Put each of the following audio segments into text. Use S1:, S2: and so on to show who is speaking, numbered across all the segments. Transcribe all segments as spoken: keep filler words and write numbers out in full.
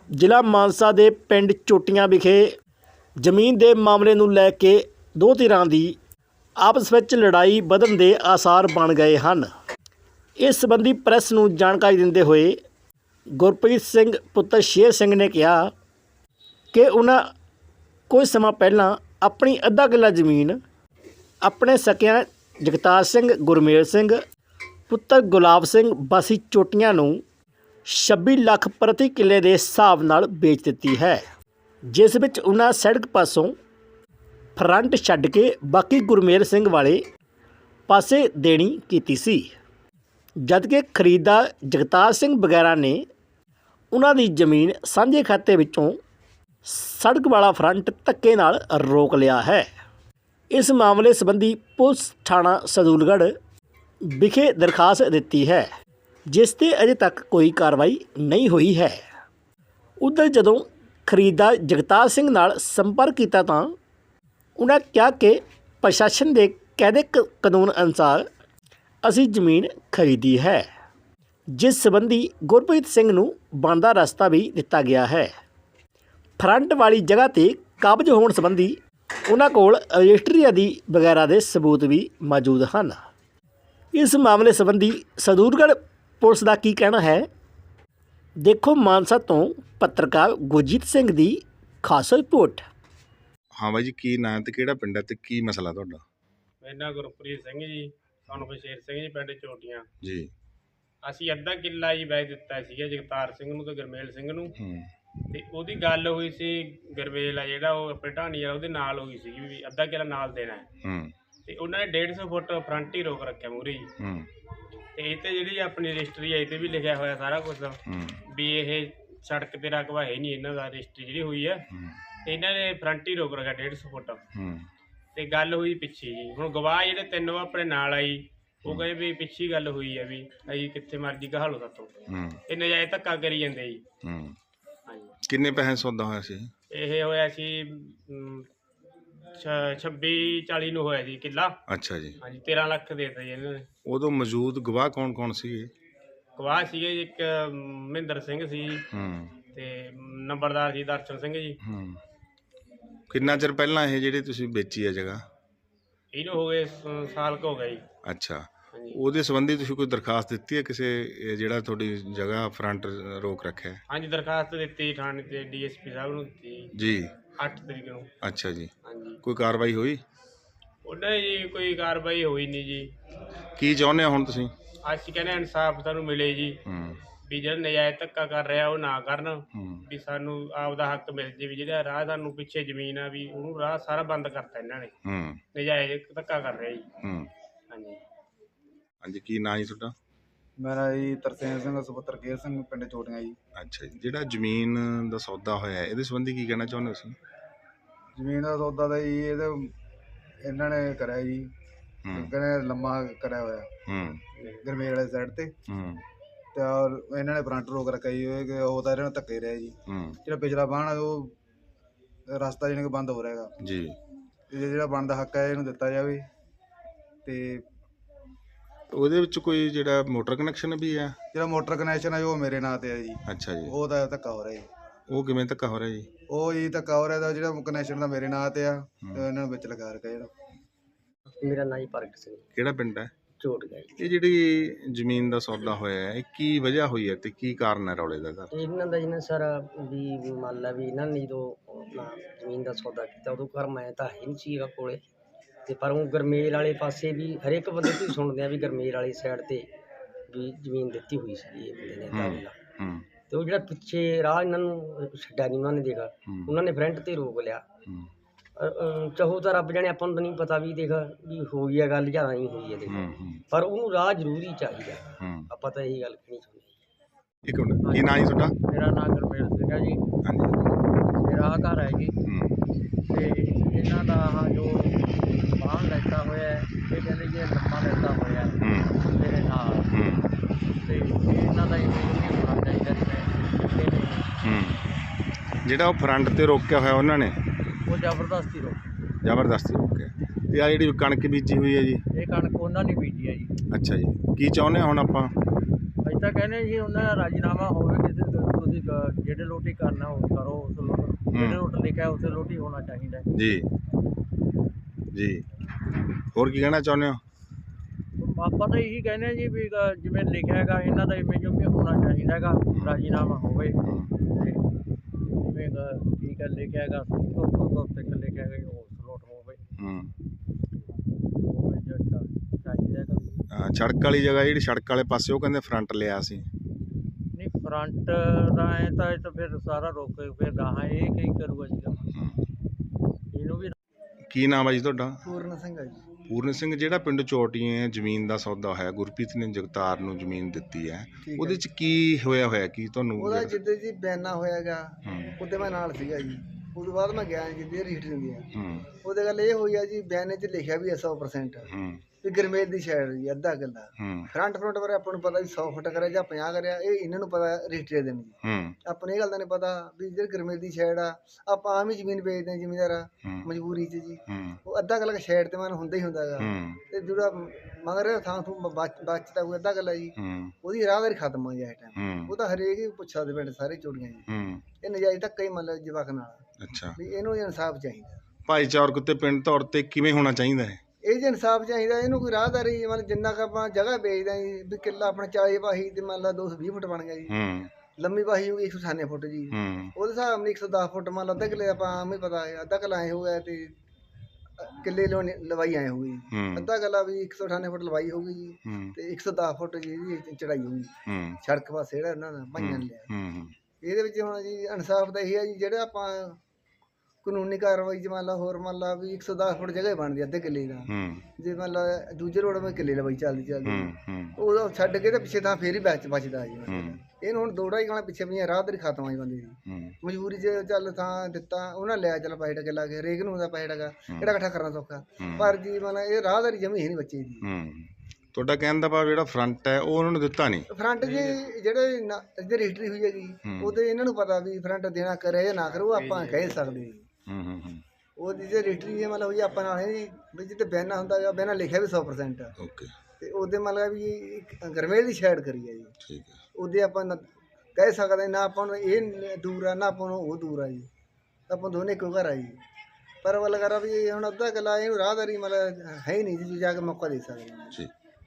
S1: ਜ਼ਿਲ੍ਹਾ ਮਾਨਸਾ ਦੇ ਪਿੰਡ ਚੋਟੀਆਂ ਵਿਖੇ ਜ਼ਮੀਨ ਦੇ ਮਾਮਲੇ ਨੂੰ ਲੈ ਕੇ ਦੋ ਧਿਰਾਂ ਦੀ ਆਪਸ ਵਿੱਚ ਲੜਾਈ ਵਧਣ ਦੇ ਆਸਾਰ ਬਣ ਗਏ ਹਨ। ਇਸ ਸੰਬੰਧੀ ਪ੍ਰੈਸ ਨੂੰ ਜਾਣਕਾਰੀ ਦਿੰਦੇ ਹੋਏ ਗੁਰਪ੍ਰੀਤ ਸਿੰਘ ਪੁੱਤਰ ਸ਼ੇਰ ਸਿੰਘ ਨੇ ਕਿਹਾ ਕਿ ਉਹਨਾਂ ਕੁਝ ਸਮਾਂ ਪਹਿਲਾਂ ਆਪਣੀ ਅੱਧਾ ਕਿੱਲਾ ਜ਼ਮੀਨ ਆਪਣੇ ਸਕਿਆਂ ਜਗਤਾਰ ਸਿੰਘ ਗੁਰਮੇਲ ਸਿੰਘ ਪੁੱਤਰ ਗੁਲਾਬ ਸਿੰਘ ਵਾਸੀ ਚੋਟੀਆਂ ਨੂੰ ਛੱਬੀ ਲੱਖ ਪ੍ਰਤੀ ਕਿੱਲੇ ਦੇ ਹਿਸਾਬ ਨਾਲ ਵੇਚ ਦਿੱਤੀ ਹੈ, ਜਿਸ ਵਿੱਚ ਉਹਨਾਂ ਸੜਕ ਪਾਸੋਂ ਫਰੰਟ ਛੱਡ ਕੇ ਬਾਕੀ ਗੁਰਮੇਲ ਸਿੰਘ ਵਾਲੇ ਪਾਸੇ ਦੇਣੀ ਕੀਤੀ ਸੀ, ਜਦਕਿ ਖਰੀਦਦਾਰ ਜਗਤਾਰ ਸਿੰਘ ਵਗੈਰਾ ਨੇ ਉਹਨਾਂ ਦੀ ਜ਼ਮੀਨ ਸਾਂਝੇ ਖਾਤੇ ਵਿੱਚੋਂ ਸੜਕ ਵਾਲਾ ਫਰੰਟ ਧੱਕੇ ਨਾਲ ਰੋਕ ਲਿਆ ਹੈ। ਇਸ ਮਾਮਲੇ ਸੰਬੰਧੀ ਪੁਲਿਸ ਥਾਣਾ ਸਦੂਲਗੜ੍ਹ ਵਿਖੇ ਦਰਖਾਸਤ ਦਿੱਤੀ ਹੈ, ਜਿਸ 'ਤੇ ਅਜੇ ਤੱਕ ਕੋਈ ਕਾਰਵਾਈ ਨਹੀਂ ਹੋਈ ਹੈ। ਉੱਧਰ ਜਦੋਂ ਖਰੀਦਦਾਰ ਜਗਤਾਰ ਸਿੰਘ ਨਾਲ ਸੰਪਰਕ ਕੀਤਾ ਤਾਂ ਉਹਨਾਂ ਕਿਹਾ ਕਿ ਪ੍ਰਸ਼ਾਸਨ ਦੇ ਕਾਇਦੇ ਕਾਨੂੰਨ ਅਨੁਸਾਰ ਅਸੀਂ ਜ਼ਮੀਨ ਖਰੀਦੀ ਹੈ, ਜਿਸ ਸੰਬੰਧੀ ਗੁਰਪ੍ਰੀਤ ਸਿੰਘ ਨੂੰ ਬਣਦਾ ਰਸਤਾ ਵੀ ਦਿੱਤਾ ਗਿਆ ਹੈ। ਫਰੰਟ ਵਾਲੀ ਜਗ੍ਹਾ 'ਤੇ ਕਬਜ਼ ਹੋਣ ਸੰਬੰਧੀ ਉਹਨਾਂ ਕੋਲ ਰਜਿਸਟਰੀ ਆਦਿ ਵਗੈਰਾ ਦੇ ਸਬੂਤ ਵੀ ਮੌਜੂਦ ਹਨ। ਇਸ ਮਾਮਲੇ ਸੰਬੰਧੀ ਸਦੂਲਗੜ੍ਹ ਪੁਲਿਸ ਦਾ ਕੀ ਕਹਿਣਾ ਹੈ, ਦੇਖੋ ਮਾਨਸਾ ਤੋਂ ਪੱਤਰਕਾਰ ਗੁਰਜੀਤ ਸਿੰਘ ਦੀ ਖਾਸ ਰਿਪੋਰਟ।
S2: ਹਾਂ ਬਾਈ ਜੀ, ਕੀ ਨਾਂ ਤੇ ਕਿਹੜਾ ਪਿੰਡ ਹੈ ਤੇ ਕੀ ਮਸਲਾ ਤੁਹਾਡਾ?
S3: ਮੇਰਾ ਨਾਂ ਗੁਰਪ੍ਰੀਤ ਸਿੰਘ ਜੀ, ਸਾਨੂੰ ਬਸ਼ੇਰ ਸਿੰਘ ਜੀ, ਪਿੰਡ ਚੋਟੀਆਂ
S2: ਜੀ।
S3: ਅਸੀਂ ਅੱਧਾ ਕਿੱਲਾ ਜੀ ਵੇਚ ਦਿੱਤਾ ਸੀਗਾ ਜਗਤਾਰ ਸਿੰਘ ਨੂੰ ਤੇ ਗੁਰਮੇਲ ਸਿੰਘ ਨੂੰ।
S2: ਹੂੰ।
S3: ਤੇ ਉਹਦੀ ਗੱਲ ਹੋਈ ਸੀ, ਗੁਰਮੇਲ ਆ ਜਿਹੜਾ ਉਹ ਆਪਣੇ ਢਾਣੀ ਵਾਲਾ ਉਹਦੇ ਨਾਲ ਹੋਈ ਸੀ ਵੀ ਅੱਧਾ ਕਿੱਲਾ ਨਾਲ ਦੇਣਾ ਹੈ।
S2: ਹੂੰ।
S3: ਤੇ ਉਹਨਾਂ ਨੇ ਡੇਢ ਸੌ ਫੁੱਟ ਫਰੰਟ ਹੀ ਰੋਕ ਰੱਖਿਆ ਮੂਹਰੇ ਜੀ।
S2: ਹੂੰ।
S3: ਤੇ ਇਹ ਤੇ ਜਿਹੜੀ ਆਪਣੀ ਰਜਿਸਟਰੀ ਹੈ ਇਹ ਤੇ ਵੀ ਲਿਖਿਆ ਹੋਇਆ ਸਾਰਾ ਕੁਝ
S2: ਹੂੰ।
S3: ਵੀ ਇਹ ਸੜਕ ਤੇ ਰਕਬਾ ਹੈ ਨਹੀਂ ਇਹਨਾਂ ਦਾ, ਰਜਿਸਟਰੀ ਜਿਹੜੀ ਹੋਈ ਹੈ
S2: ਹੂੰ।
S3: ਇਹਨਾਂ ਨੇ ਫਰੰਟ ਹੀ ਰੋਕ ਰੱਖਿਆ ਡੇਢ ਸੌ ਫੁੱਟ।
S2: ਹੂੰ।
S3: ਤੇ ਗੱਲ ਹੋਈ ਪਿੱਛੇ ਜੀ। ਹੁਣ ਗਵਾਹ ਜਿਹੜੇ ਤਿੰਨ ਉਹ ਆਪਣੇ ਨਾਲ ਆਈ, ਉਹ ਕਹਿੰਦੇ ਵੀ ਪਿੱਛੇ ਗੱਲ ਹੋਈ ਹੈ ਵੀ ਅਸੀਂ ਕਿੱਥੇ ਮਰਜ਼ੀ ਕਹਾਲੋ ਸਾਤੋਂ।
S2: ਹੂੰ।
S3: ਇਹ ਨਜਾਇਜ਼ ਧੱਕਾ ਕਰੀ ਜਾਂਦੇ ਜੀ।
S2: ਹੂੰ।
S3: ਹਾਂਜੀ।
S2: ਕਿੰਨੇ ਪੈਸੇ ਸੌਦਾ ਹੋਇਆ ਸੀ?
S3: ਇਹ ਹੋਇਆ ਸੀ ਛੱਬੀ ਚਾਲੀ ਨੂੰ ਹੋਇਆ ਜੀ ਕਿੱਲਾ।
S2: ਅੱਛਾ ਜੀ।
S3: ਹਾਂਜੀ, ਤੇਰਾਂ ਲੱਖ ਦੇ ਦਿੱਤਾ ਜੀ ਇਹਨਾਂ ਨੇ।
S2: ਉਦੋਂ ਮੌਜੂਦ ਗਵਾਹ ਕੌਣ ਕੌਣ ਸੀਗੇ?
S3: ਗਵਾਹ ਸੀਗੇ ਜੀ, ਇੱਕ ਮਹਿੰਦਰ ਸਿੰਘ ਸੀ
S2: ਹੂੰ।
S3: ਤੇ ਨੰਬਰਦਾਰ ਜੀ ਦਰਸ਼ਨ ਸਿੰਘ ਜੀ।
S2: ਹੂੰ। ਕਿੰਨਾ ਚਿਰ ਪਹਿਲਾਂ ਇਹ ਜਿਹੜੀ ਤੁਸੀਂ ਵੇਚੀ ਹੈ ਜਗ੍ਹਾ?
S3: ਇਹਨੂੰ ਹੋ ਗਏ ਸ- ਸਾਲ ਕੁ ਹੋ ਗਿਆ ਜੀ।
S2: ਅੱਛਾ।
S3: ਹਾਂਜੀ।
S2: ਉਹਦੇ ਸੰਬੰਧੀ ਤੁਸੀਂ ਕੋਈ ਦਰਖਾਸਤ ਦਿੱਤੀ ਹੈ ਕਿਸੇ, ਇਹ ਜਿਹੜਾ ਤੁਹਾਡੀ ਜਗ੍ਹਾ ਫਰੰਟ ਰੋਕ ਰੱਖਿਆ ਹੈ?
S3: ਹਾਂਜੀ, ਦਰਖਾਸਤ ਦਿੱਤੀ ਥਾਣੇ ਤੇ ਡੀ ਐਸ ਪੀ ਸਾਹਿਬ ਨੂੰ ਦਿੱਤੀ
S2: ਜੀ।
S3: ਅੱਠ ਤਰੀਕ ਨੂੰ।
S2: ਅੱਛਾ ਜੀ।
S3: ਹਾਂਜੀ।
S2: ਕੋਈ ਕਾਰਵਾਈ ਹੋਈ?
S3: ਉਹਨੇ ਜੀ ਕੋਈ ਕਾਰਵਾਈ ਹੋਈ ਨਹੀਂ ਜੀ।
S2: ਕੀ ਚਾਹੁੰਦੇ ਹੋ ਹੁਣ ਤੁਸੀਂ?
S3: ਅਸੀਂ ਕਹਿੰਦੇ ਇਨਸਾਫ ਸਾਨੂੰ ਮਿਲੇ ਜੀ,
S2: ਹੂੰ।
S3: ਵੀ ਜਿਹੜਾ ਨਜਾਇਜ਼ ਧੱਕਾ ਕਰ ਰਿਹਾ ਉਹ ਨਾ ਕਰਨ,
S2: ਹੂੰ।
S3: ਵੀ ਸਾਨੂੰ ਆਪਦਾ ਹੱਕ ਮਿਲ ਜੇ। ਵੀ ਜਿਹੜਾ ਰਾਹ ਸਾਨੂੰ ਪਿੱਛੇ ਜ਼ਮੀਨ ਆ ਵੀ ਉਹਨੂੰ ਰਾਹ ਸਾਰਾ ਬੰਦ ਕਰਤਾ ਇਹਨਾਂ ਨੇ,
S2: ਹੂੰ।
S3: ਨਜਾਇਜ਼ ਧੱਕਾ ਕਰ ਰਿਹਾ ਜੀ।
S2: ਹੂੰ।
S3: ਹਾਂਜੀ।
S2: ਹਾਂਜੀ, ਕੀ ਨਾਂ ਜੀ ਤੁਹਾਡਾ?
S4: ਮੇਰਾ ਜੀ ਤਰਸੇਮ ਸਿੰਘ ਸੁਪੁੱਤਰ ਕੇਰ ਸਿੰਘ, ਪਿੰਡ ਚੋਟੀਆਂ ਜੀ।
S2: ਅੱਛਾ ਜੀ। ਜਿਹੜਾ ਜ਼ਮੀਨ ਦਾ ਸੌਦਾ ਹੋਇਆ ਹੈ, ਇਹਦੇ ਸੰਬੰਧੀ ਕੀ ਕਹਿਣਾ ਚਾਹੁੰਦੇ ਹੋ ਤੁਸੀਂ?
S4: ਜ਼ਮੀਨ ਦਾ ਸੌਦਾ ਤਾਂ ਜੀ ਇਹਦੇ ਇਹਨਾਂ ਨੇ ਕਰਿਆ ਜੀ,
S2: ਹੂੰ।
S4: ਕਹਿੰਦੇ ਲੰਮਾ ਕਰਿਆ ਹੋਇਆ
S2: ਹੂੰ।
S4: ਗਰਮੇਲ ਵਾਲੀ ਸਾਈਡ ਤੇ,
S2: ਹੂੰ।
S4: ਤੇ ਔਰ ਇਹਨਾਂ ਨੇ ਫਰੰਟ ਰੋਕ ਰੱਖਿਆ ਜੀ। ਉਹ ਕਿ ਉਹ ਤਾਂ ਇਹਨਾਂ ਨੂੰ ਧੱਕੇ ਰਿਹਾ ਜੀ।
S2: ਹੂੰ।
S4: ਜਿਹੜਾ ਪਿਛਲਾ ਬਾਹਣ ਆ ਉਹ ਰਸਤਾ ਜਿਹਨੇ ਕਿ ਬੰਦ ਹੋ ਰਿਹਾ ਹੈਗਾ
S2: ਜੀ।
S4: ਤੇ ਜਿਹੜਾ ਬਣਦਾ ਹੱਕ ਹੈ ਇਹਨੂੰ ਦਿੱਤਾ ਜਾਵੇ। ਤੇ
S2: ਉਹਦੇ ਵਿੱਚ ਕੋਈ ਜਿਹੜਾ ਮੋਟਰ ਕਨੈਕਸ਼ਨ ਵੀ ਹੈ?
S4: ਜਿਹੜਾ ਮੋਟਰ ਕਨੈਕਸ਼ਨ ਹੈ ਉਹ ਮੇਰੇ ਨਾਂ ਤੇ ਹੈ ਜੀ।
S2: ਅੱਛਾ ਜੀ।
S4: ਉਹ ਤਾਂ ਧੱਕਾ ਹੋ ਰਿਹਾ ਜੀ।
S2: ਉਹ ਕਿਵੇਂ ਧੱਕਾ ਹੋ ਰਿਹਾ ਜੀ?
S4: ਉਹ ਜੀ ਧੱਕਾ ਹੋ ਰਿਹਾ ਤਾਂ ਜਿਹੜਾ ਕਨੈਕਸ਼ਨ ਦਾ ਮੇਰੇ ਨਾਂ ਤੇ ਆ, ਤੇ ਇਹਨਾਂ ਨੂੰ ਵਿੱਚ ਲਗਾ ਰੱਖਿਆ ਜਿਹੜਾ।
S5: ਮੇਰਾ ਨਾਂ ਜੀ ਪ੍ਰਗਟ ਸਿੰਘ,
S2: ਕਿਹੜਾ ਪਿੰਡ ਹੈ?
S5: ਝੋਟ ਗਿਆ ਜੀ।
S2: ਇਹ ਜਿਹੜੀ ਜ਼ਮੀਨ ਦਾ ਸੌਦਾ ਹੋਇਆ ਹੈ, ਇਹ ਕੀ ਵਜ੍ਹਾ ਹੋਈ ਹੈ ਤੇ ਕੀ ਕਾਰਨ ਹੈ ਰੌਲੇ ਦਾ ਇਹਦਾ?
S5: ਇਹਨਾਂ ਦਾ ਜਿਹਨਾਂ ਸਰ ਵੀ ਮੰਨ ਲਾ ਵੀ ਇਹਨਾਂ ਨੇ ਜਦੋਂ ਆਪਣਾ ਜ਼ਮੀਨ ਦਾ ਸੌਦਾ ਕੀਤਾ ਉਦੋਂ ਘਰ ਮੈਂ ਤਾਂ ਹੈ ਨਹੀਂ ਸੀਗਾ ਕੋਲੇ, ਤੇ ਪਰ ਉਹ ਗਰਮੇਲ ਵਾਲੇ ਪਾਸੇ ਵੀ ਹਰੇਕ ਬੰਦੇ ਤੋਂ ਹੀ ਸੁਣਦੇ ਆ ਵੀ ਗਰਮੇਲ ਵਾਲੀ ਸਾਈਡ ਤੇ ਵੀ ਜ਼ਮੀਨ ਦਿੱਤੀ ਹੋਈ ਸੀ ਇਹ ਬੰਦੇ ਨੇ ਤਾਂ ਵੇਲਾ।
S2: ਹੂੰ।
S5: ਤੇ ਉਹ ਜਿਹੜਾ ਪਿੱਛੇ ਰਾਹ ਇਹਨਾਂ ਨੂੰ ਛੱਡਿਆ ਨਹੀਂ ਉਹਨਾਂ ਨੇ, ਦੇਖਾ
S2: ਹੂੰ।
S5: ਉਹਨਾਂ ਨੇ ਫਰੰਟ ਤੇ ਰੋਕ ਲਿਆ।
S2: ਹੂੰ।
S5: ਚਾਹੋ ਤਾਂ ਰੱਬ ਜਾਣੇ, ਆਪਾਂ ਨੂੰ ਤਾਂ ਨਹੀਂ ਪਤਾ ਵੀ ਦੇਖ ਵੀ ਹੋਈ ਆ ਗੱਲ ਜਾਂ ਨਹੀਂ ਹੋਈ ਹੈ ਦੇਖ,
S2: ਹੂੰ। ਹੂੰ।
S5: ਪਰ ਉਹਨੂੰ ਰਾਹ ਜ਼ਰੂਰੀ ਚਾਹੀਦਾ।
S2: ਹੂੰ।
S5: ਆਪਾਂ ਤਾਂ ਇਹੀ ਗੱਲ ਕਹਿਣੀ ਚਾਹੁੰਦੇ।
S2: ਇੱਕ ਮਿੰਟ, ਕੀ ਨਾਂ ਜੀ ਤੁਹਾਡਾ?
S6: ਮੇਰਾ ਨਾਮ ਗੁਰਮੇਲ ਸਿੰਘ ਹੈ ਜੀ।
S2: ਹਾਂਜੀ।
S6: ਮੇਰਾ ਆਹ ਘਰ ਹੈ ਜੀ।
S2: ਹੂੰ।
S6: ਤੇ ਇਹਨਾਂ ਦਾ ਆਹ ਜੋ ਬਾਹਰ ਲੈਤਾ ਹੋਇਆ ਹੈ, ਇਹ ਕਹਿੰਦੇ ਜੀ ਇਹ ਲੰਮਾ ਲੈਤਾ ਹੋਇਆ
S2: ਹੂੰ।
S6: ਮੇਰੇ ਨਾਲ,
S2: ਹੂੰ।
S6: ਤੇ ਇਹਨਾਂ ਦਾ ਇਹ ਨਹੀਂ ਹੋਣਾ ਚਾਹੀਦਾ ਜਿਵੇਂ ਇਹ ਨਹੀਂ।
S2: ਹੂੰ। ਜਿਹੜਾ ਉਹ ਫਰੰਟ ਤੇ ਰੋਕਿਆ ਹੋਇਆ ਉਹਨਾਂ ਨੇ
S6: ਉਹ ਜ਼ਬਰਦਸਤੀ ਰੋਕ
S2: ਜ਼ਬਰਦਸਤੀ ਰੋਕਿਆ, ਤੇ ਆ ਜਿਹੜੀ ਕਣਕ ਬੀਜੀ ਹੋਈ ਹੈ ਜੀ?
S6: ਇਹ ਕਣਕ ਉਹਨਾਂ ਨੇ ਬੀਜੀ ਹੈ ਜੀ।
S2: ਅੱਛਾ ਜੀ। ਕੀ ਚਾਹੁੰਦੇ ਹੁਣ ਆਪਾਂ?
S6: ਅਸੀਂ ਤਾਂ ਕਹਿੰਦੇ ਜੀ ਉਹਨਾਂ ਦਾ ਰਾਜੀਨਾਮਾ ਹੋਵੇ ਕਿਸੇ ਦੂਜੇ ਤੁਸੀਂ ਕ- ਜਿਹੜੇ ਲੋਟੀ ਕਰਨਾ ਉਹ ਕਰੋ, ਉਸ ਲੋਟ ਜਿਹੜੇ ਲੋਟ ਲਿਖਿਆ ਉਸੇ ਲੋਟੀ ਹੋਣਾ ਚਾਹੀਦਾ ਹੈ।
S2: ਜੀ ਜੀ ਹੋਰ ਕੀ ਕਹਿਣਾ ਚਾਹੁੰਦੇ ਹੋ?
S6: ਆਪਾਂ ਤਾਂ ਇਹੀ ਕਹਿੰਦੇ ਹਾਂ ਜੀ ਵੀ ਕ- ਜਿਵੇਂ ਲਿਖਿਆ ਹੈਗਾ ਇਹਨਾਂ ਦਾ ਇਵੇਂ ਜਿਵੇਂ ਹੋਣਾ ਚਾਹੀਦਾ ਹੈਗਾ, ਰਾਜੀਨਾਮਾ ਹੋਵੇ ਤੇ ਜਿਵੇਂ ਕ- ਠੀਕ ਹੈ ਲਿਖਿਆ ਹੈਗਾ ਤੋਂ ਤੋਂ ਤੱਕ ਲਿਖਿਆ ਹੈਗਾ ਉਹ ਸਲੋਟ ਹੋਵੇ
S2: ਹੂੰ
S6: ਹੋਵੇ ਜੋ ਚਾ- ਚਾਹੀਦਾ ਹੈਗਾ।
S2: ਅਹ ਸੜਕ ਵਾਲੀ ਜਗ੍ਹਾ ਜਿਹੜੀ ਸੜਕ ਵਾਲੇ ਪਾਸੇ ਉਹ ਕਹਿੰਦੇ ਫਰੰਟ ਲਿਆ ਸੀ।
S6: ਨਹੀਂ ਫਰੰਟ ਦਾ ਐ ਤਾਂ ਇਹ ਤਾਂ ਫਿਰ ਸਾਰਾ ਰੋਕ ਫਿਰ ਗਾਹਾਂ ਇਹ ਕੀ ਕਰੂਗਾ ਜੀ ਗਾਹਾਂ?
S2: ਹੂੰ।
S6: ਇਹਨੂੰ ਵੀ
S2: ਕੀ ਨਾਮ ਹੈ ਜੀ ਤੁਹਾਡਾ?
S4: ਪੂਰਨ ਸਿੰਘ ਆ ਜੀ।
S2: ਪੂਰਨ ਸਿੰਘ, ਜਿਹੜਾ ਪਿੰਡ ਚੋਟੀਆਂ ਜ਼ਮੀਨ ਦਾ ਸੌਦਾ ਹੋਇਆ, ਗੁਰਪ੍ਰੀਤ ਨੇ ਜਗਤਾਰ ਨੂੰ ਜ਼ਮੀਨ ਦਿੱਤੀ ਹੈ,
S4: ਠੀਕ
S2: ਉਹਦੇ
S4: ਹੈ।
S2: ਚ ਕੀ ਹੋਇਆ ਹੋਇਆ ਕੀ ਤੁਹਾਨੂੰ
S4: ਉਹਦਾ
S2: ਜਿਹੜਾ-
S4: ਜਿੱਦੇ ਜੀ ਬਿਆਨਾ ਹੋਇਆਗਾ
S2: ਹੂੰ
S4: ਉਹਦੇ ਮੈਂ ਨਾਲ ਸੀਗਾ ਜੀ। ਉਦੋਂ ਬਾਅਦ ਮੈਂ ਗਿਆ ਜਿੱਦੇ ਰੀਟ ਹੁੰਦੀ ਆ,
S2: ਹੂੰ
S4: ਉਹਦੇ ਗੱਲ ਇਹ ਹੋਈ ਆ ਜੀ, ਬਿਆਨੇ 'ਚ ਲਿਖਿਆ ਵੀ ਆ ਸੌ ਪਰਸੈਂਟ
S2: ਹੂੰ
S4: ਵੀ ਗਰਮੇਲ ਦੀ ਸਾਈਡ ਜੀ ਅੱਧਾ ਕਿੱਲਾ।
S2: ਹੂੰ
S4: ਫਰੰਟ ਫਰੰਟ ਬਾਰੇ ਆਪਾਂ ਨੂੰ ਪਤਾ ਵੀ ਸੌ ਫੁੱਟ ਕਰਿਆ ਜਾਂ ਪੰਜਾਹ ਕਰਿਆ, ਇਹ ਇਹਨਾਂ ਨੂੰ ਪਤਾ ਰਜਿਸਟਰੀ ਦੇਣ ਜੀ।
S2: ਹੂੰ
S4: ਆਪਾਂ ਨੂੰ ਇਹ ਗੱਲ ਦਾ ਨਹੀਂ ਪਤਾ ਵੀ ਜਿਹੜੀ ਗਰਮੇਲ ਦੀ ਸਾਈਡ ਆ, ਆਪਾਂ ਆਮ ਹੀ ਜ਼ਮੀਨ ਵੇਚਦੇ ਹਾਂ ਜ਼ਿਮੀਂਦਾਰ ਆ
S2: ਹੂੰ
S4: ਮਜਬੂਰੀ 'ਚ ਜੀ।
S2: ਹੂੰ
S4: ਉਹ ਅੱਧਾ ਕਿੱਲਾ ਸਾਈਡ ਤੇ ਮਨ ਹੁੰਦਾ ਹੀ ਹੁੰਦਾ ਗਾ,
S2: ਹੂੰ
S4: ਤੇ ਜਿਹੜਾ ਮਗਰ ਥਾਂ ਥੂ ਬਚਦਾ ਕੋਈ ਅੱਧਾ ਕਿੱਲਾ ਜੀ,
S2: ਹੂੰ
S4: ਉਹਦੀ ਰਾਹਦਾਰੀ ਖਤਮ ਹੋ ਜਾਏ ਟਾਈਮ।
S2: ਹੂੰ
S4: ਉਹ ਤਾਂ ਹਰੇਕ ਹੀ ਪੁੱਛਾ ਦੇ ਪਿੰਡ ਸਾਰੇ ਚੋੜੀਆਂ ਜੀ।
S2: ਹੂੰ
S4: ਇਹ ਨਜਾਇਜ਼ ਧੱਕਾ ਹੀ ਮੰਨ ਲਓ ਜਵਾਕ ਨਾਲ,
S2: ਅੱਛਾ,
S4: ਵੀ ਇਹਨੂੰ ਇਨਸਾਫ ਚਾਹੀਦਾ।
S2: ਭਾਈਚਾਰਕ ਉੱਤੇ ਪਿੰਡ ਤੌਰ ਤੇ ਕਿਵੇਂ ਹੋਣਾ ਚਾਹੀਦਾ ਹੈ?
S4: ਇਹ ਜੇ ਇਨਸਾਫ ਚਾਹੀਦਾ, ਇਹਨੂੰ ਕੋਈ ਰਾਹਦਾਰੀ ਮਤਲਬ ਜਿੰਨਾ ਕੁ ਆਪਾਂ ਜਗ੍ਹਾ ਵੇਚਦੇ ਜੀ, ਵੀ ਕਿੱਲਾ ਆਪਣਾ ਚਾਲੀ ਵਾਹੀ ਤੇ ਮੰਨ ਲਾ ਦੋ ਸੌ ਵੀਹ ਫੁੱਟ ਬਣ ਗਿਆ ਜੀ,
S2: ਹੂੰ
S4: ਲੰਮੀ ਵਾਹੀ ਹੋ ਗਈ ਇੱਕ ਸੌ ਅਠਾਨਵੇਂ ਫੁੱਟ ਜੀ,
S2: ਹੂੰ
S4: ਉਹਦੇ ਹਿਸਾਬ ਨਾਲ ਇੱਕ ਸੌ ਦਸ ਫੁੱਟ ਮੰਨ ਲਾ ਅੱਧਾ ਕਿੱਲੇ ਆਪਾਂ ਆਮ ਹੀ ਪਤਾ ਹੈ ਅੱਧਾ ਕਿੱਲਾ ਐ ਹੋ ਗਿਆ ਤੇ ਕਿੱਲੇ ਲੋ ਲਵਾਈ ਐ ਹੋ ਗਈ।
S2: ਹੂੰ
S4: ਅੱਧਾ ਕਿੱਲਾ ਵੀ ਇੱਕ ਸੌ ਅਠਾਨਵੇਂ ਫੁੱਟ ਲਵਾਈ ਹੋ ਗਈ ਜੀ,
S2: ਹੂੰ
S4: ਤੇ ਇੱਕ ਸੌ ਦਸ ਫੁੱਟ ਜੀ ਇਹਦੀ ਚੜਾਈ ਹੋ ਗਈ
S2: ਹੂੰ
S4: ਸੜਕ ਪਾਸੇ ਜਿਹੜਾ ਉਹਨਾਂ ਨੇ ਭਾਈਆਂ ਨੇ ਲਿਆ।
S2: ਹੂੰ
S4: ਇਹਦੇ ਵਿੱਚ ਹੁਣ ਜੀ ਇਨਸਾਫ ਦਾ ਇਹ ਹੈ ਜੀ, ਜਿਹੜਾ ਆਪਾਂ ਕਾਨੂੰਨੀ ਕਾਰਵਾਈ 'ਚ ਮੰਨ ਲਾ ਹੋਰ ਮੰਨ ਲਾ ਵੀ ਇੱਕ ਸੌ ਦਸ ਫੁੱਟ ਜਗ੍ਹਾ ਬਣਦੀ ਅੱਧੇ ਕਿੱਲੇ ਦਾ,
S2: ਹੂੰ
S4: ਜੇ ਮੰਨ ਲਾ ਦੂਜੇ ਰੋਡ 'ਤੇ ਕਿੱਲੇ ਲਵਾਈ ਚੱਲਦੀ ਚੱਲਦੀ
S2: ਹੂੰ ਹੂੰ
S4: ਉਹ ਛੱਡ ਕੇ ਤੇ ਪਿੱਛੇ ਤਾਂ ਫੇਰ ਹੀ ਬਚ ਬਚਦਾ ਜੀ।
S2: ਹੂੰ
S4: ਇਹਨੂੰ ਹੁਣ ਦੋੜਾ ਹੀ ਗਾਣਾ ਪਿੱਛੇ ਪਈਆਂ ਰਾਹਦਾਰੀ ਖਤਮ ਆਈ ਬੰਦੇ ਦੀ
S2: ਹੂੰ
S4: ਮਜਬੂਰੀ 'ਚ ਚੱਲ ਥਾਂ ਦਿੱਤਾ ਉਹਨਾਂ ਲਿਆ, ਚੱਲ ਪੈਸੇ ਟਕੇ ਲਾ ਕੇ ਹਰੇਕ ਨੂੰ ਹੁੰਦਾ ਪੈਸੇ ਟਕਾ ਕਿਹੜਾ ਇਕੱਠਾ ਕਰਨਾ ਸੌਖਾ, ਪਰ ਜੀ ਮਨ ਇਹ ਰਾਹਦਾਰੀ ਜਮੀ ਹੈ ਨਹੀਂ ਬੱਚੇ ਦੀ।
S2: ਹੂੰ ਤੁਹਾਡਾ ਕਹਿਣ ਦਾ ਭਾਵ ਜਿਹੜਾ ਫਰੰਟ ਹੈ ਉਹ ਉਹਨਾਂ ਨੂੰ ਦਿੱਤਾ ਨਹੀਂ?
S4: ਫਰੰਟ ਜੀ ਜਿਹੜੇ ਨਾ- ਜਿਹਦੀ ਰਜਿਸਟਰੀ ਹੋਈ ਹੈਗੀ ਉਹਦੇ ਇਹਨਾਂ ਨੂੰ ਪਤਾ ਵੀ ਫਰੰਟ ਦੇਣਾ ਕਰੇ ਜਾਂ ਨਾ ਕਰੇ, ਉਹ ਆਪਾਂ ਕਹਿ ਸਕਦੇ ਜੀ।
S2: ਹੂੰ ਹੂੰ ਹੂੰ
S4: ਉਹਦੀ ਜੇ ਰਜਿਸਟਰੀ ਹੈ ਮਤਲਬ ਹੋਈ ਆਪਾਂ ਨਾਲ ਹੈ ਜੀ, ਵੀ ਜਿੱਤੇ ਬਿਆਨਾ ਹੁੰਦਾ ਗਾ ਬਿਆਨਾ ਲਿਖਿਆ ਵੀ ਸੌ ਪਰਸੈਂਟ
S2: ਓਕੇ
S4: ਤੇ ਉਹਦੇ ਮਤਲਬ ਵੀ ਇੱਕ ਗਰਮੇਲ ਦੀ ਸਾਈਡ ਕਰੀ ਹੈ ਜੀ।
S2: ਠੀਕ ਹੈ।
S4: ਉਹਦੇ ਆਪਾਂ ਨਾ ਕਹਿ ਸਕਦੇ ਨਾ ਆਪਾਂ ਨੂੰ ਇਹ ਦੂਰ ਆ ਨਾ ਆਪਾਂ ਨੂੰ ਉਹ ਦੂਰ ਆ ਜੀ, ਆਪਾਂ ਦੋਨੇ ਇੱਕੋ ਘਰ ਆ ਜੀ। ਪਰ ਵੱਲ ਕਰਾ ਵੀ ਹੁਣ ਅੱਧਾ ਕਿੱਲਾ ਇਹਨੂੰ ਰਾਹਦਾਰੀ ਮਤਲਬ ਹੈ ਹੀ ਨਹੀਂ ਜੀ, ਜਾ ਕੇ ਮੌਕਾ ਦੇ ਸਕਦੇ ਹਾਂ।
S2: ਜੀ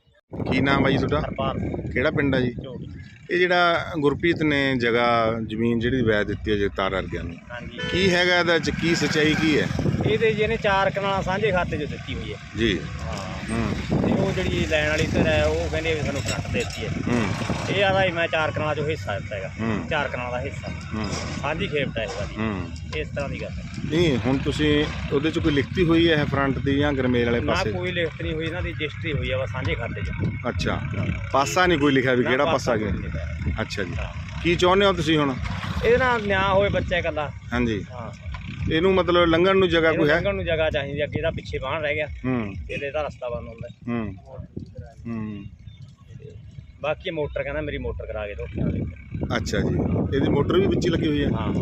S2: ਕੀ ਨਾਮ ਹੈ ਜੀ ਤੁਹਾਡਾ?
S3: ਹਰਪਾਲ
S2: ਕਿਹੜਾ ਪਿੰਡ ਹੈ ਜੀ?
S3: ਝੋਟੀ।
S2: ਇਹ ਜਿਹੜਾ ਗੁਰਪ੍ਰੀਤ ਨੇ ਜਗ੍ਹਾ ਜ਼ਮੀਨ ਜਿਹੜੀ ਵੈਦ ਦਿੱਤੀ ਹੈ ਜਗਤਾਰ ਵਰਗਿਆਂ ਨੂੰ,
S3: ਹਾਂਜੀ,
S2: ਕੀ ਹੈਗਾ ਇਹਦਾ ਚ ਕੀ ਸੱਚਾਈ ਕੀ ਹੈ?
S3: ਇਹਦੇ ਜੀ ਇਹਨੇ ਚਾਰ ਕਨਾਲਾਂ ਸਾਂਝੇ ਖਾਤੇ 'ਚ ਦਿੱਤੀ ਹੋਈ ਹੈ।
S2: ਜੀ
S3: ਹਾਂ,
S2: ਹੂੰ
S3: ਤੇ ਉਹ ਜਿਹੜੀ ਲੈਣ ਵਾਲੀ ਧਿਰ ਹੈ ਉਹ ਕਹਿੰਦੇ ਵੀ ਸਾਨੂੰ ਫਰੰਟ ਦੇ ਦਿੱਤੀ ਹੈ।
S2: ਹੂੰ
S3: ਇਹ ਆਦਾ ਮੈਂ ਚਾਰ ਕਨਾਲਾਂ 'ਚੋਂ ਹਿੱਸਾ ਦਿੱਤਾ ਹੈਗਾ,
S2: ਹੂੰ
S3: ਚਾਰ ਕਨਾਲਾਂ ਦਾ ਹਿੱਸਾ
S2: ਹੂੰ
S3: ਸਾਂਝੀ ਖੇਪਟਾ ਹੈ ਵਾਲੀ,
S2: ਹੂੰ
S3: ਇਸ ਤਰ੍ਹਾਂ ਦੀ ਗੱਲ ਹੈ।
S2: ਨਹੀਂ ਹੁਣ ਤੁਸੀਂ ਉਹਦੇ ਚ ਕੋਈ ਲਿਖਤੀ ਹੋਈ ਹੈ ਫਰੰਟ ਦੀ ਜਾਂ ਗਰਮੇਲ ਵਾਲੇ
S3: ਨਾ
S2: ਪਾਸੇ?
S3: ਕੋਈ ਲਿਖਤ ਨਹੀਂ ਹੋਈ, ਇਹਨਾਂ ਦੀ ਰਜਿਸਟਰੀ ਹੋਈ ਆ ਵਾ ਸਾਂਝੇ ਖਾਤੇ 'ਚ।
S2: ਅੱਛਾ, ਪਾਸਾ ਨਹੀਂ ਕੋਈ ਲਿਖਿਆ ਵੀ
S3: ਨਾ
S2: ਕਿਹੜਾ
S3: ਪਾਸਾ
S2: ਪਾਸਾ ਗਿਆ?
S3: ਕੋਈ ਨਹੀਂ ਲਿਖਿਆ।
S2: ਅੱਛਾ ਜੀ,
S3: ਹਾਂ।
S2: ਕੀ ਚਾਹੁੰਦੇ ਹੋ ਤੁਸੀਂ ਹੁਣ?
S3: ਇਹਦੇ ਨਾਲ ਨਿਆਂ ਹੋਏ ਬੱਚਾ ਇਕੱਲਾ।
S2: ਹਾਂਜੀ,
S3: ਹਾਂ,
S2: ਇਹਨੂੰ ਮਤਲਬ ਲੰਘਣ ਨੂੰ ਜਗ੍ਹਾ
S3: ਇਹਨੂੰ
S2: ਕੋਈ ਹੈ?
S3: ਲੰਘਣ ਨੂੰ ਜਗ੍ਹਾ ਚਾਹੀਦੀ, ਅੱਗੇ ਦਾ ਪਿੱਛੇ ਬਾਹਣ ਰਹਿ ਗਿਆ,
S2: ਹੂੰ
S3: ਇਹਦੇ ਦਾ ਰਸਤਾ ਬੰਦ ਹੁੰਦਾ।
S2: ਹੂੰ ਹੂੰ
S3: ਬਾਕੀ ਮੋਟਰ ਕਹਿੰਦਾ ਮੇਰੀ ਮੋਟਰ ਕਰਾ ਕੇ ਦੋ।
S2: ਅੱਛਾ ਜੀ, ਇਹਦੀ ਮੋਟਰ ਵੀ ਵਿੱਚ ਹੀ ਲੱਗੀ ਹੋਈ ਹੈ?
S3: ਹਾਂ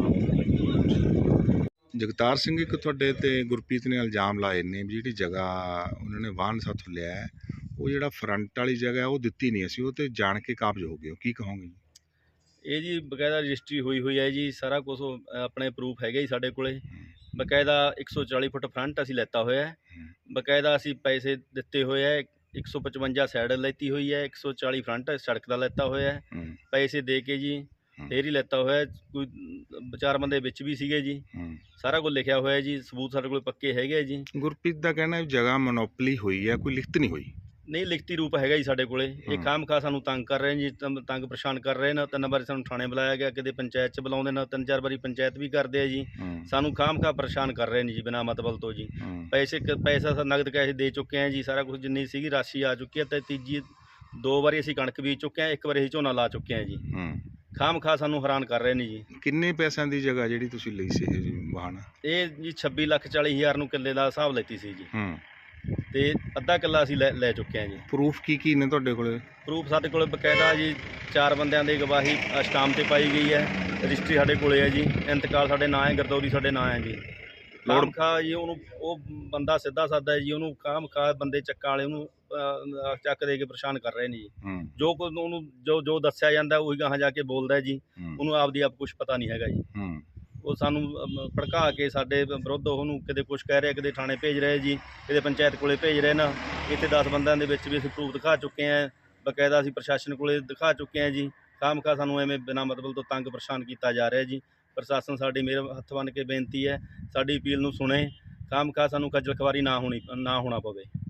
S3: ਹਾਂ।
S2: ਜਗਤਾਰ ਸਿੰਘ, ਇੱਕ ਤੁਹਾਡੇ ਤੇ ਗੁਰਪ੍ਰੀਤ ਨੇ ਇਲਜ਼ਾਮ ਲਾਏ ਨੇ ਵੀ ਜਿਹੜੀ ਜਗ੍ਹਾ ਉਹਨਾਂ ਨੇ ਵਾਹਨ ਸਾਥੋਂ ਲਿਆ ਹੈ, ਉਹ ਜਿਹੜਾ ਫਰੰਟ ਵਾਲੀ ਜਗ੍ਹਾ ਹੈ ਉਹ ਦਿੱਤੀ ਨਹੀਂ, ਅਸੀਂ ਉਹ ਤੇ ਜਾਣ ਕੇ ਕਾਬਜ਼ ਹੋ ਗਏ ਹੋ, ਕੀ ਕਹੋਗੇ?
S7: ਇਹ ਜੀ ਬਕਾਇਦਾ ਰਜਿਸਟਰੀ ਹੋਈ ਹੋਈ ਹੈ ਜੀ, ਸਾਰਾ ਕੁਝ ਆਪਣੇ ਪ੍ਰੂਫ ਹੈਗੇ ਜੀ ਸਾਡੇ ਕੋਲੇ। ਬਕਾਇਦਾ ਇੱਕ ਸੌ ਚਾਲੀ ਫੁੱਟ ਫਰੰਟ ਅਸੀਂ ਲੈਤਾ ਹੋਇਆ ਹੈ, ਬਕਾਇਦਾ ਅਸੀਂ ਪੈਸੇ ਦਿੱਤੇ ਹੋਏ ਹੈ, ਇੱਕ ਸੌ ਪਚਵੰਜਾ ਸਾਈਡ ਲੈਤੀ ਹੋਈ ਹੈ, ਇੱਕ ਸੌ ਚਾਲੀ ਫਰੰਟ ਸੜਕ ਦਾ ਲੈਤਾ ਹੋਇਆ ਹੈ,
S2: ਹੂੰ
S7: ਪੈਸੇ ਦੇ ਕੇ ਜੀ ਫੇਰ ਹੀ ਲੈਤਾ ਹੋਇਆ ਹੈ। ਕੋਈ ਚਾਰ ਬੰਦੇ ਵਿੱਚ ਵੀ ਸੀਗੇ ਜੀ,
S2: ਹੂੰ
S7: ਸਾਰਾ ਕੁਝ ਲਿਖਿਆ ਹੋਇਆ ਜੀ, ਸਬੂਤ ਸਾਡੇ ਕੋਲ ਪੱਕੇ ਹੈਗੇ ਜੀ।
S2: ਗੁਰਪ੍ਰੀਤ ਦਾ ਕਹਿਣਾ ਹੈ ਜਗ੍ਹਾ ਮੋਨੋਪਲੀ ਹੋਈ ਹੈ, ਕੋਈ ਲਿਖਤ ਨਹੀਂ ਹੋਈ।
S7: ਨਹੀਂ, ਲਿਖਤੀ ਰੂਪ ਹੈਗਾ ਜੀ ਸਾਡੇ ਕੋਲੇ। ਇਹ ਖਾਮ ਖਾ ਸਾਨੂੰ ਤੰਗ ਕਰ ਰਹੇ ਨੇ ਜੀ, ਤੰ- ਤੰਗ ਪਰੇਸ਼ਾਨ ਕਰ ਰਹੇ ਨੇ। ਤਿੰਨ ਵਾਰੀ ਸਾਨੂੰ ਥਾਣੇ ਬੁਲਾਇਆ ਗਿਆ, ਕਿਤੇ ਪੰਚਾਇਤ 'ਚ ਬੁਲਾਉਂਦੇ ਨੇ, ਤਿੰਨ ਚਾਰ ਵਾਰੀ ਪੰਚਾਇਤ ਵੀ ਕਰਦੇ ਆ ਜੀ।
S2: ਹੂੰ
S7: ਸਾਨੂੰ ਖਾਮ ਖਾ ਪਰੇਸ਼ਾਨ ਕਰ ਰਹੇ ਨੇ ਜੀ ਬਿਨਾਂ ਮਤਲਬ ਤੋਂ ਜੀ।
S2: ਹੂੰ
S7: ਪੈਸੇ ਕ- ਪੈਸਾ ਸਾ ਨਗਦ ਕੈਸ਼ ਦੇ ਚੁੱਕੇ ਆ ਜੀ, ਸਾਰਾ ਕੁਝ ਜਿੰਨੀ ਸੀਗੀ ਰਾਸ਼ੀ ਆ ਚੁੱਕੀ ਹੈ। ਤੇ ਤੀਜੀ ਦੋ ਵਾਰੀ ਅਸੀਂ ਕਣਕ ਬੀਜ ਚੁੱਕੇ ਆ, ਇੱਕ ਵਾਰੀ ਅਸੀਂ ਝੋਨਾ ਲਾ ਚੁੱਕੇ ਆ ਜੀ।
S2: ਹੂੰ
S7: ਖਾਮ ਖਾ ਸਾਨੂੰ ਹੈਰਾਨ ਕਰ ਰਹੇ ਨੇ ਜੀ।
S2: ਕਿੰਨੇ ਪੈਸਿਆਂ ਦੀ ਜਗ੍ਹਾ ਜਿਹੜੀ ਤੁਸੀਂ ਲਈ ਸੀ ਇਹ ਜੀ ਵਾਹਨ?
S7: ਇਹ ਜੀ ਛੱਬੀ ਲੱਖ ਚਾਲੀ ਹਜ਼ਾਰ ਨੂੰ ਕਿੱਲੇ ਦਾ ਹਿਸਾਬ ਲੈਤੀ ਸੀ ਜੀ,
S2: ਹੂੰ
S7: ਤੇ ਅੱਧਾ ਕਿੱਲਾ ਅਸੀਂ ਲੈ ਲੈ ਚੁੱਕੇ ਆ ਜੀ।
S2: ਪ੍ਰੂਫ ਕੀ ਕੀ ਨੇ ਤੁਹਾਡੇ ਕੋਲੇ?
S7: ਪ੍ਰੂਫ ਸਾਡੇ ਕੋਲ ਬਕਾਇਦਾ ਜੀ ਚਾਰ ਬੰਦਿਆਂ ਦੀ ਗਵਾਹੀ ਸਟਾਂਪ ਤੇ ਪਾਈ ਗਈ ਹੈ, ਰਜਿਸਟਰੀ ਸਾਡੇ ਕੋਲੇ ਹੈ ਜੀ, ਇੰਤਕਾਲ ਸਾਡੇ ਨਾਂ ਹੈ, ਗਰਦੌਰੀ ਸਾਡੇ ਨਾਂ ਹੈ ਜੀ। ਖਾਮ ਖਾ ਜੀ ਉਹਨੂੰ ਉਹ ਬੰਦਾ ਸਿੱਧਾ ਸਾਦਾ ਜੀ, ਉਹਨੂੰ ਖਾਮ ਖਾ ਬੰਦੇ ਚੱਕਾ ਵਾਲੇ ਉਹਨੂੰ ਅ, ਚੱਕ ਦੇ ਕੇ ਪਰੇਸ਼ਾਨ ਕਰ ਰਹੇ ਨੇ ਜੀ।
S2: ਹੂੰ
S7: ਜੋ ਕੁਝ ਉਹਨੂੰ ਜੋ ਜੋ ਦੱਸਿਆ ਜਾਂਦਾ ਉਹੀ ਗਾਹਾਂ ਜਾ ਕੇ ਬੋਲਦਾ ਹੈ ਜੀ।
S2: ਹੂੰ
S7: ਉਹਨੂੰ ਆਪਦੀ ਆਪ ਕੁਝ ਪਤਾ ਨਹੀਂ ਹੈਗਾ ਜੀ।
S2: ਹੂੰ
S7: ਉਹ ਸਾਨੂੰ ਅਮ, ਭੜਕਾ ਕੇ ਸਾਡੇ ਵਿਰੁੱਧ ਉਹਨੂੰ ਕਿਤੇ ਕੁਝ ਕਹਿ ਰਿਹਾ, ਕਿਤੇ ਥਾਣੇ ਭੇਜ ਰਹੇ ਜੀ, ਕਿਤੇ ਪੰਚਾਇਤ ਕੋਲੇ ਭੇਜ ਰਹੇ ਨਾ। ਇੱਥੇ ਦਸ ਬੰਦਿਆਂ ਦੇ ਵਿੱਚ ਵੀ ਅਸੀਂ ਪ੍ਰੂਫ ਦਿਖਾ ਚੁੱਕੇ ਹਾਂ, ਬਕਾਇਦਾ ਅਸੀਂ ਪ੍ਰਸ਼ਾਸਨ ਕੋਲੇ ਦਿਖਾ ਚੁੱਕੇ ਹਾਂ ਜੀ। ਖਾਮਖਾ ਸਾਨੂੰ ਐਵੇਂ ਬਿਨਾਂ ਮਤਲਬ ਤੋਂ ਤੰਗ ਪਰੇਸ਼ਾਨ ਕੀਤਾ ਜਾ ਰਿਹਾ ਜੀ। ਪ੍ਰਸ਼ਾਸਨ ਸਾਡੀ ਮੇਰੇ ਹੱਥ ਬੰਨ੍ਹ ਕੇ ਬੇਨਤੀ ਹੈ, ਸਾਡੀ ਅਪੀਲ ਨੂੰ ਸੁਣੇ, ਖਾਮਖਾ ਸਾਨੂੰ ਖੱਜਲ ਖਵਾਰੀ ਨਾ ਹੋਣੀ ਨਾ ਹੋਣਾ ਪਵੇ।